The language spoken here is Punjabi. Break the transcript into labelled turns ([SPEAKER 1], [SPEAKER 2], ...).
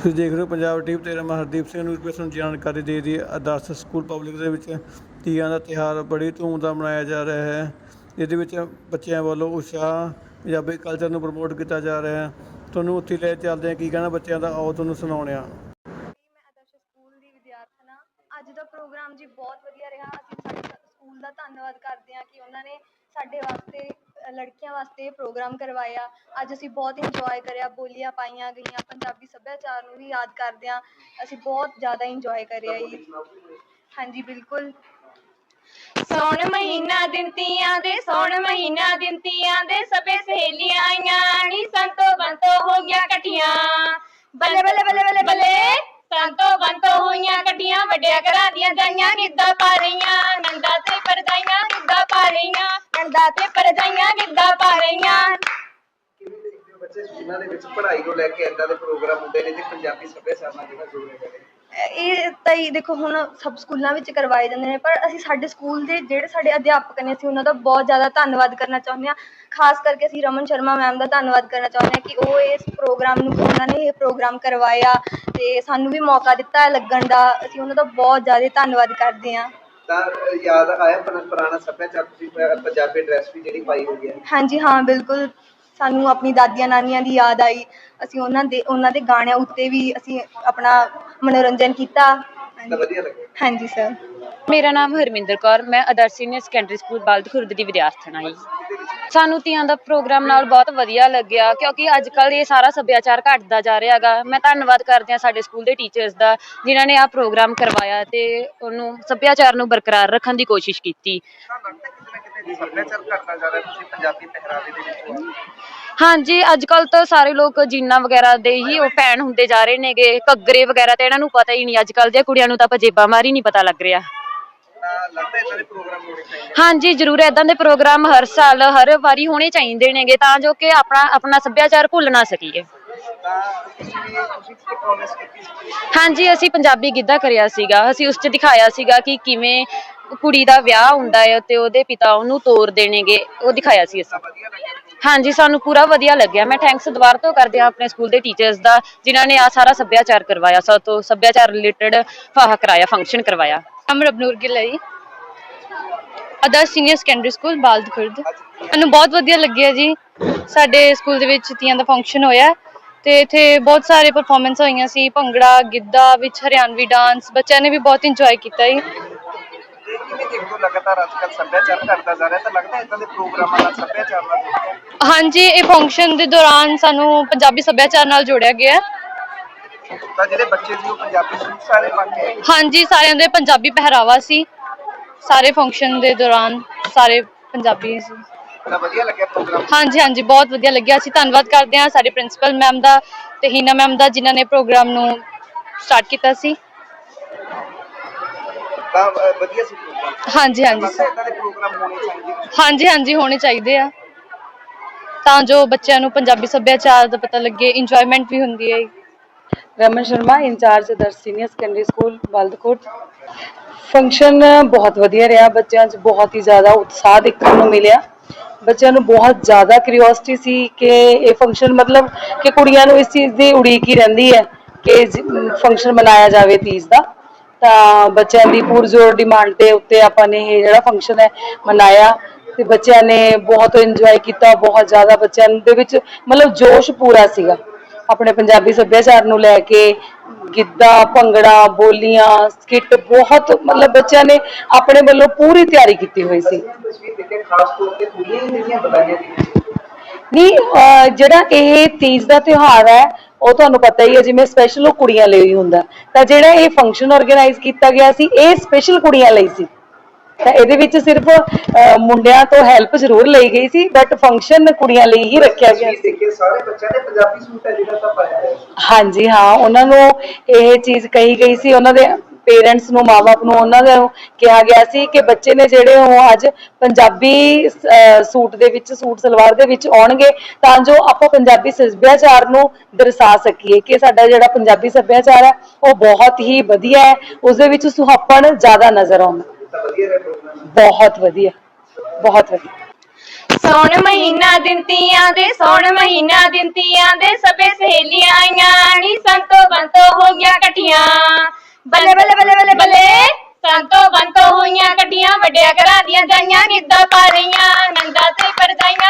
[SPEAKER 1] ਤੁਸੀਂ ਦੇਖ ਰਹੇ ਹੋ ਪੰਜਾਬ ਟੀਵੀ ਤੇ ਮੈਂ ਹਰਦੀਪ ਸਿੰਘ ਨੂੰ ਤੁਹਾਨੂੰ ਜਾਣਕਾਰੀ ਦੇ ਦੀ ਆਦਰਸ਼ ਸਕੂਲ ਪਬਲਿਕ ਦੇ ਵਿੱਚ ਤੀਆਂ ਦਾ ਤਿਉਹਾਰ ਬੜੀ ਧੂਮਧਾਮ ਮਨਾਇਆ ਜਾ ਰਿਹਾ ਹੈ। ਇਹਦੇ ਵਿੱਚ ਬੱਚਿਆਂ ਵੱਲੋਂ ਉਤਸ਼ਾਹ ਪੰਜਾਬੀ ਕਲਚਰ ਨੂੰ ਪ੍ਰਮੋਟ ਕੀਤਾ ਜਾ ਰਿਹਾ ਹੈ। ਤੁਹਾਨੂੰ ਉੱਥੇ ਲੈ ਚੱਲਦੇ ਹਾਂ, ਕੀ ਕਹਿਣਾ ਬੱਚਿਆਂ ਦਾ, ਆਓ ਤੁਹਾਨੂੰ ਸੁਣਾਉਂਦੇ ਹਾਂ।
[SPEAKER 2] ਮੈਂ ਆਦਰਸ਼ ਸਕੂਲ ਦੀ ਵਿਦਿਆਰਥਣ ਹਾਂ। ਅੱਜ ਦਾ ਪ੍ਰੋਗਰਾਮ ਜੀ ਬਹੁਤ ਵਧੀਆ ਰਿਹਾ। ਅਸੀਂ ਸਾਡੇ ਸਕੂਲ ਦਾ ਧੰਨਵਾਦ ਕਰਦੇ ਹਾਂ ਕਿ ਉਹਨਾਂ ਨੇ ਸਾਡੇ ਵਾਸਤੇ ਲੜਕੀਆਂ ਵਾਸਤੇ ਪ੍ਰੋਗਰਾਮ ਕਰਵਾਇਆ। ਅੱਜ ਅਸੀਂ ਬਹੁਤ ਇੰਜੋਏ ਕਰਿਆ, ਬੋਲੀਆਂ ਪਾਈਆਂ ਗਈਆਂ, ਪੰਜਾਬੀ ਸੱਭਿਆਚਾਰ ਨੂੰ ਵੀ ਯਾਦ ਕਰਦੇ ਹਾਂ। ਅਸੀਂ ਬਹੁਤ ਜ਼ਿਆਦਾ ਇੰਜੋਏ ਕਰਿਆ ਜੀ। ਹਾਂਜੀ ਬਿਲਕੁਲ।
[SPEAKER 3] ਸੌਣ ਮਹੀਨਾ ਦਿਨ ਤੀਆਂ ਦੇ, ਸੌਣ ਮਹੀਨਾ ਦਿਨ ਤੀਆਂ ਦੇ, ਸਭੇ ਸਹੇਲੀਆਂ ਆਈਆਂ ਨੀ ਸੰਤੋ ਬੰਤੋ ਹੋ ਗਿਆ ਇਕੱਠੀਆਂ। ਬੱਲੇ ਬੱਲੇ ਬੱਲੇ ਬੱਲੇ ਬੱਲੇ ਸੰਤੋ ਬੰਤੋ ਹੋਈਆਂ ਇਕੱਠੀਆਂ। ਵੱਡਿਆਂ ਘਰਾਂ ਦੀਆਂ ਜਾਈਆਂ ਗਿੱਧਾ ਪਾ ਰਹੀਆਂ, ਨੰਦਾ ਤੇ ਪਰਜਾਈਆਂ ਗਿੱਧਾ ਪਾ ਰਹੀਆਂ, ਨੰਦਾ ਤੇ ਪਰਜਾਈਆਂ ਗਿੱਧਾ ਪਾ ਰਹੀਆਂ।
[SPEAKER 4] ਬੱਚੇ ਸਕੂਲਾਂ ਦੇ ਵਿੱਚ ਪੜ੍ਹਾਈ ਨੂੰ ਲੈ ਕੇ ਏਦਾਂ ਦੇ ਪ੍ਰੋਗਰਾਮ ਹੁੰਦੇ ਨੇ ਤੇ ਪੰਜਾਬੀ ਸੱਭਿਆਚਾਰ ਨਾਲ ਜਿਹੜਾ ਜੋੜਿਆ ਜਾਵੇ।
[SPEAKER 2] ਇਹ ਤਾਂ ਹੀ ਦੇਖੋ ਹੁਣ ਸਭ ਸਕੂਲਾਂ ਵਿੱਚ ਕਰਵਾਏ ਜਾਂਦੇ ਨੇ, ਪਰ ਅਸੀਂ ਸਾਡੇ ਸਕੂਲ ਦੇ ਜਿਹੜੇ ਸਾਡੇ ਅਧਿਆਪਕ ਨੇ ਅਸੀਂ ਉਹਨਾਂ ਦਾ ਬਹੁਤ ਜ਼ਿਆਦਾ ਧੰਨਵਾਦ ਕਰਨਾ ਚਾਹੁੰਦੇ ਹਾਂ। ਖਾਸ ਕਰਕੇ ਅਸੀਂ ਰਮਨ ਸ਼ਰਮਾ ਮੈਮ ਦਾ ਧੰਨਵਾਦ ਕਰਨਾ ਚਾਹੁੰਦੇ ਹਾਂ ਕਿ ਉਹ ਇਸ ਪ੍ਰੋਗਰਾਮ ਨੂੰ ਉਹਨਾਂ ਨੇ ਇਹ ਪ੍ਰੋਗਰਾਮ ਕਰਵਾਇਆ ਅਤੇ ਸਾਨੂੰ ਵੀ ਮੌਕਾ ਦਿੱਤਾ ਲੱਗਣ ਦਾ। ਅਸੀਂ ਉਹਨਾਂ ਦਾ ਬਹੁਤ ਜ਼ਿਆਦਾ ਧੰਨਵਾਦ ਕਰਦੇ ਹਾਂ।
[SPEAKER 4] ਤਾਂ ਯਾਦ ਆਇਆ ਪੁਰਾਣਾ ਸੱਭਿਆਚਾਰ, ਤੁਸੀਂ ਪੰਜਾਬੀ ਡਰੈਸ ਵੀ ਜਿਹੜੀ ਪਾਈ ਹੋਈ ਹੈ?
[SPEAKER 2] ਹਾਂਜੀ ਹਾਂ ਬਿਲਕੁਲ, ਸਾਨੂੰ ਆਪਣੀ ਦਾਦੀਆਂ ਨਾਨੀਆਂ ਦੀ ਯਾਦ ਆਈ। ਅਸੀਂ ਉਹਨਾਂ ਦੇ ਗਾਣਿਆਂ ਉੱਤੇ ਵੀ ਅਸੀਂ ਆਪਣਾ ਮਨੋਰੰਜਨ ਕੀਤਾ।
[SPEAKER 4] ਤਾਂ ਵਧੀਆ ਲੱਗਿਆ।
[SPEAKER 2] ਹਾਂਜੀ ਸਰ।
[SPEAKER 5] ਮੇਰਾ ਨਾਮ ਹਰਮਿੰਦਰ ਕੌਰ, ਮੈਂ ਆਦਰਸ਼ ਸੀਨੀਅਰ ਸੈਕੰਡਰੀ ਸਕੂਲ ਬਲਦ ਖੁਰਦ ਦੀ ਵਿਦਿਆਰਥਣ ਹਾਂ। ਸਾਨੂੰ ਤੀਆਂ ਦਾ ਪ੍ਰੋਗਰਾਮ ਨਾਲ ਬਹੁਤ ਵਧੀਆ ਲੱਗਿਆ ਕਿਉਂਕਿ ਅੱਜ ਕੱਲ੍ਹ ਇਹ ਸਾਰਾ ਸੱਭਿਆਚਾਰ ਘੱਟਦਾ ਜਾ ਰਿਹਾ ਹੈਗਾ। ਮੈਂ ਧੰਨਵਾਦ ਕਰਦੀ ਹਾਂ ਸਾਡੇ ਸਕੂਲ ਦੇ ਟੀਚਰਸ ਦਾ ਜਿਨ੍ਹਾਂ ਨੇ ਆਹ ਪ੍ਰੋਗਰਾਮ ਕਰਵਾਇਆ ਅਤੇ ਉਹਨੂੰ ਸੱਭਿਆਚਾਰ ਨੂੰ ਬਰਕਰਾਰ ਰੱਖਣ ਦੀ ਕੋਸ਼ਿਸ਼ ਕੀਤੀ।
[SPEAKER 4] ਸੱਭਿਆਚਾਰ ਘਟਦਾ ਜਾ ਰਿਹਾ, ਤੁਸੀਂ ਪੰਜਾਬੀ ਪਹਿਰਾਵੇ ਦੇ ਵਿੱਚ
[SPEAKER 5] ਹਾਂਜੀ, ਅੱਜ ਕੱਲ੍ਹ ਤਾਂ ਸਾਰੇ ਲੋਕ ਜੀਨਾਂ ਵਗੈਰਾ ਦੇ ਹੀ ਉਹ ਫੈਨ ਹੁੰਦੇ ਜਾ ਰਹੇ ਨੇਗੇ। ਘੱਗਰੇ ਵਗੈਰਾ ਤਾਂ ਇਹਨਾਂ ਨੂੰ ਪਤਾ ਹੀ ਨਹੀਂ। ਅੱਜ ਕੱਲ੍ਹ ਦੀਆਂ ਕੁੜੀਆਂ ਨੂੰ ਤਾਂ ਪਜੇਬਾਂ ਮਾਰੀ ਨਹੀਂ ਪਤਾ ਲੱਗ ਰਿਹਾ।
[SPEAKER 4] ਲੱਗਦਾ ਏਦਾਂ ਦੇ ਪ੍ਰੋਗਰਾਮ ਹੋਣੇ ਚਾਹੀਦੇ?
[SPEAKER 5] ਹਾਂਜੀ ਜ਼ਰੂਰ, ਇੱਦਾਂ ਦੇ ਪ੍ਰੋਗਰਾਮ ਹਰ ਸਾਲ ਹਰ ਵਾਰੀ ਹੋਣੇ ਚਾਹੀਦੇ ਨੇਗੇ ਤਾਂ ਜੋ ਕਿ ਆਪਣਾ ਸੱਭਿਆਚਾਰ ਭੁੱਲ ਨਾ ਸਕੀਏ। ਹਾਂਜੀ, ਅਸੀਂ ਪੰਜਾਬੀ ਗਿੱਧਾ ਕਰਿਆ ਸੀਗਾ। ਅਸੀਂ ਉਸ 'ਚ ਦਿਖਾਇਆ ਸੀਗਾ ਕਿ ਕਿਵੇਂ ਕੁੜੀ ਦਾ ਵਿਆਹ ਹੁੰਦਾ ਹੈ ਅਤੇ ਉਹਦੇ ਪਿਤਾ ਉਹਨੂੰ ਤੋਰਦੇ ਨੇਗੇ, ਉਹ ਦਿਖਾਇਆ ਸੀ ਅਸੀਂ। ਹਾਂਜੀ, ਸਾਨੂੰ ਪੂਰਾ ਵਧੀਆ ਲੱਗਿਆ। ਮੈਂ ਥੈਂਕਸ ਦੁਬਾਰਾ ਤੋਂ ਕਰਦੇ ਹਾਂ ਆਪਣੇ ਸਕੂਲ ਦੇ ਟੀਚਰਸ ਦਾ ਜਿਨ੍ਹਾਂ ਨੇ ਆਹ ਸਾਰਾ ਸੱਭਿਆਚਾਰ ਕਰਵਾਇਆ, ਸਾਡੇ ਤੋਂ ਸੱਭਿਆਚਾਰ ਰਿਲੇਟਡ ਫਾਹਾ ਕਰਾਇਆ, ਫੰਕਸ਼ਨ ਕਰਵਾਇਆ।
[SPEAKER 6] ਰਬਨੂਰ ਗਿੱਲ ਹੈ ਜੀ, ਆਦਰਸ਼ ਸੀਨੀਅਰ ਸੈਕੰਡਰੀ ਸਕੂਲ ਬਲਦ ਖੁਰਦ। ਮੈਨੂੰ ਬਹੁਤ ਵਧੀਆ ਲੱਗਿਆ ਜੀ। ਸਾਡੇ ਸਕੂਲ ਦੇ ਵਿੱਚ ਤੀਆਂ ਦਾ ਫੰਕਸ਼ਨ ਹੋਇਆ ਅਤੇ ਇੱਥੇ ਬਹੁਤ ਸਾਰੇ ਪਰਫੋਰਮੈਂਸ ਹੋਈਆਂ ਸੀ, ਭੰਗੜਾ, ਗਿੱਧਾ ਵਿੱਚ ਹਰਿਆਣਵੀ ਡਾਂਸ। ਬੱਚਿਆਂ ਨੇ ਵੀ ਬਹੁਤ ਇੰਜੋਏ ਕੀਤਾ ਜੀ।
[SPEAKER 4] ਲਗਾਤਾਰ ਅੱਜ ਕੱਲ੍ਹ ਸੱਭਿਆਚਾਰ ਘਟਦਾ ਜਾ ਰਿਹਾ, ਤਾਂ ਲੱਗਦਾ ਏਦਾਂ ਦੇ ਪ੍ਰੋਗਰਾਮਾਂ ਨਾਲ ਸੱਭਿਆਚਾਰ ਨਾਲ?
[SPEAKER 6] ਹਾਂਜੀ, ਇਹ ਫੰਕਸ਼ਨ ਦੇ ਦੌਰਾਨ ਸਾਨੂੰ ਪੰਜਾਬੀ ਸੱਭਿਆਚਾਰ ਨਾਲ ਜੋੜਿਆ ਗਿਆ।
[SPEAKER 4] ਤਾਂ ਜਿਹੜੇ ਬੱਚੇ ਸੀ ਉਹ ਪੰਜਾਬੀ ਸੂਟ ਸਾਰੇ ਪਾ ਕੇ ਆਏ?
[SPEAKER 6] ਹਾਂਜੀ, ਸਾਰਿਆਂ ਦੇ ਪੰਜਾਬੀ ਪਹਿਰਾਵਾ ਸੀ। ਸਾਰੇ ਫੰਕਸ਼ਨ ਦੇ ਦੌਰਾਨ ਸਾਰੇ ਪੰਜਾਬੀ ਸੀ।
[SPEAKER 4] ਤਾਂ ਵਧੀਆ ਲੱਗਿਆ ਪ੍ਰੋਗਰਾਮ?
[SPEAKER 6] ਹਾਂਜੀ ਹਾਂਜੀ, ਬਹੁਤ ਵਧੀਆ ਲੱਗਿਆ। ਅਸੀਂ ਧੰਨਵਾਦ ਕਰਦੇ ਹਾਂ ਸਾਡੇ ਪ੍ਰਿੰਸੀਪਲ ਮੈਮ ਦਾ ਅਤੇ ਹੀਨਾ ਮੈਮ ਦਾ ਜਿਨ੍ਹਾਂ ਨੇ ਪ੍ਰੋਗਰਾਮ ਨੂੰ ਸਟਾਰਟ ਕੀਤਾ ਸੀ।
[SPEAKER 4] ਤਾਂ ਵਧੀਆ ਸੀ ਪ੍ਰੋਗਰਾਮ?
[SPEAKER 6] ਹਾਂਜੀ ਹਾਂਜੀ
[SPEAKER 4] ਏਦਾਂ ਦੇ ਪ੍ਰੋਗਰਾਮ ਹੋਣੇ ਚਾਹੀਦੇ?
[SPEAKER 6] ਹਾਂਜੀ ਹਾਂਜੀ, ਹੋਣੇ ਚਾਹੀਦੇ ਆ ਤਾਂ ਜੋ ਬੱਚਿਆਂ ਨੂੰ ਪੰਜਾਬੀ ਸੱਭਿਆਚਾਰ ਦਾ ਪਤਾ ਲੱਗੇ, ਇੰਜੋਇਮੈਂਟ ਵੀ ਹੁੰਦੀ ਹੈ।
[SPEAKER 7] Raman Sharma, incharge Adarsh senior secondary school Baldkot. Function ਬਹੁਤ ਵਧੀਆ ਰਿਹਾ। ਬੱਚਿਆਂ 'ਚ ਬਹੁਤ ਹੀ ਜ਼ਿਆਦਾ ਉਤਸ਼ਾਹ ਦੇਖਣ ਨੂੰ ਮਿਲਿਆ। ਬੱਚਿਆਂ ਨੂੰ ਬਹੁਤ ਜ਼ਿਆਦਾ ਕਿਉਰਿਓਸਿਟੀ ਸੀ ਕਿ ਇਹ ਫੰਕਸ਼ਨ ਮਤਲਬ ਕਿ ਕੁੜੀਆਂ ਨੂੰ ਇਸ ਚੀਜ਼ ਦੀ ਉਡੀਕ ਹੀ ਰਹਿੰਦੀ ਹੈ ਕਿ ਫੰਕਸ਼ਨ ਮਨਾਇਆ ਜਾਵੇ ਤੀਜ ਦਾ। ਤਾਂ ਬੱਚਿਆਂ ਦੀ ਪੁਰਜ਼ੋਰ ਡਿਮਾਂਡ ਦੇ ਉੱਤੇ ਆਪਾਂ ਨੇ ਇਹ ਜਿਹੜਾ ਫੰਕਸ਼ਨ ਹੈ ਮਨਾਇਆ ਅਤੇ ਬੱਚਿਆਂ ਨੇ ਬਹੁਤ ਇੰਜੋਏ ਕੀਤਾ। ਬਹੁਤ ਜ਼ਿਆਦਾ ਬੱਚਿਆਂ ਦੇ ਵਿੱਚ ਮਤਲਬ ਜੋਸ਼ ਪੂਰਾ ਸੀਗਾ ਆਪਣੇ ਪੰਜਾਬੀ ਸੱਭਿਆਚਾਰ ਨੂੰ ਲੈ ਕੇ। ਗਿੱਧਾ, ਭੰਗੜਾ, ਬੋਲੀਆਂ, ਸਕਿੱਟ, ਬਹੁਤ ਮਤਲਬ ਬੱਚਿਆਂ ਨੇ ਆਪਣੇ ਵੱਲੋਂ ਪੂਰੀ ਤਿਆਰੀ ਕੀਤੀ ਹੋਈ ਸੀ। ਨਹੀਂ, ਜਿਹੜਾ ਇਹ ਤੀਜ ਦਾ ਤਿਉਹਾਰ ਹੈ ਉਹ ਤੁਹਾਨੂੰ ਪਤਾ ਹੀ ਹੈ ਜਿਵੇਂ ਸਪੈਸ਼ਲ ਉਹ ਕੁੜੀਆਂ ਲਈ ਹੁੰਦਾ, ਤਾਂ ਜਿਹੜਾ ਇਹ ਫੰਕਸ਼ਨ ਔਰਗੇਨਾਈਜ਼ ਕੀਤਾ ਗਿਆ ਸੀ ਇਹ ਸਪੈਸ਼ਲ ਕੁੜੀਆਂ ਲਈ ਸੀ। ਤਾਂ ਇਹਦੇ ਵਿੱਚ ਸਿਰਫ ਮੁੰਡਿਆਂ ਤੋਂ ਹੈਲਪ ਜ਼ਰੂਰ ਲਈ ਗਈ ਸੀ ਬਟ ਫੰਕਸ਼ਨ ਕੁੜੀਆਂ ਲਈ ਹੀ ਰੱਖਿਆ ਗਿਆ ਸੀ।
[SPEAKER 4] ਸਾਰੇ ਬੱਚਿਆਂ ਨੇ ਪੰਜਾਬੀ ਸੂਟ ਹੈ ਜਿਹੜਾ ਤਾਂ ਪਾਇਆ? ਹਾਂਜੀ
[SPEAKER 7] ਹਾਂ, ਉਹਨਾਂ ਨੂੰ ਇਹ ਚੀਜ਼ ਕਹੀ ਗਈ ਸੀ, ਉਹਨਾਂ ਦੇ ਪੇਰੈਂਟਸ ਨੂੰ, ਮਾਂ ਬਾਪ ਨੂੰ ਉਹਨਾਂ ਨੂੰ ਕਿਹਾ ਗਿਆ ਸੀ ਕਿ ਬੱਚੇ ਨੇ ਜਿਹੜੇ ਉਹ ਅੱਜ ਪੰਜਾਬੀ ਸੂਟ ਦੇ ਵਿੱਚ, ਸੂਟ ਸਲਵਾਰ ਦੇ ਵਿੱਚ ਆਉਣਗੇ ਤਾਂ ਜੋ ਆਪਾਂ ਪੰਜਾਬੀ ਸੱਭਿਆਚਾਰ ਨੂੰ ਦਰਸਾ ਸਕੀਏ ਕਿ ਸਾਡਾ ਜਿਹੜਾ ਪੰਜਾਬੀ ਸੱਭਿਆਚਾਰ ਹੈ ਉਹ ਬਹੁਤ ਹੀ ਵਧੀਆ ਹੈ, ਉਸਦੇ ਵਿੱਚ ਸੁਹੱਪਣ ਜ਼ਿਆਦਾ ਨਜ਼ਰ ਆਉਂਦਾ। ਬਹੁਤ ਵਧੀਆ, ਬਹੁਤ ਵਧੀਆ।
[SPEAKER 3] ਸੌਣ ਮਹੀਨਾ ਦਿਨ ਤੀਆਂ ਦੇ, ਸੌਣ ਮਹੀਨਾ ਦਿਨ ਤੀਆਂ ਦੇ, ਸਭੇ ਸਹੇਲੀਆਂ ਆਈਆਂ ਨੀ ਸੰਤੋ ਬੰਤੋ ਵੱਡਿਆਂ ਘਰਾਂ ਦੀਆਂ ਜਾਈਆਂ ਗਿੱਧਾ ਪਾ ਰਹੀਆਂ, ਨੰਦਾ ਤੇ ਪਰਜਾਈਆਂ